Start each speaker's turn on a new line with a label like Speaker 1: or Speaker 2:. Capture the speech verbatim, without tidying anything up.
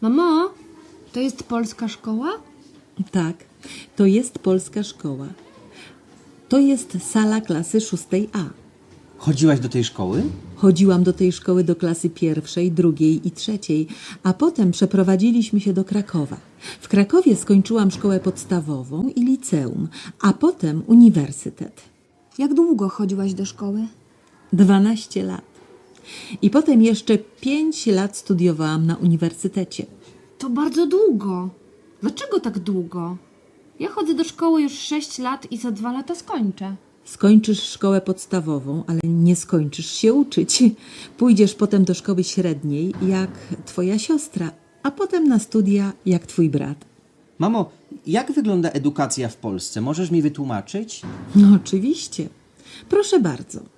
Speaker 1: Mamo, to jest polska szkoła?
Speaker 2: Tak, to jest polska szkoła. To jest sala klasy szóstej A.
Speaker 3: Chodziłaś do tej szkoły?
Speaker 2: Chodziłam do tej szkoły do klasy pierwszej, drugiej i trzeciej, a potem przeprowadziliśmy się do Krakowa. W Krakowie skończyłam szkołę podstawową i liceum, a potem uniwersytet.
Speaker 1: Jak długo chodziłaś do szkoły?
Speaker 2: Dwanaście lat. I potem jeszcze pięć lat studiowałam na uniwersytecie.
Speaker 1: To bardzo długo. Dlaczego tak długo? Ja chodzę do szkoły już sześć lat i za dwa lata skończę.
Speaker 2: Skończysz szkołę podstawową, ale nie skończysz się uczyć. Pójdziesz potem do szkoły średniej, jak twoja siostra, a potem na studia, jak twój brat.
Speaker 3: Mamo, jak wygląda edukacja w Polsce? Możesz mi wytłumaczyć?
Speaker 2: No oczywiście. Proszę bardzo.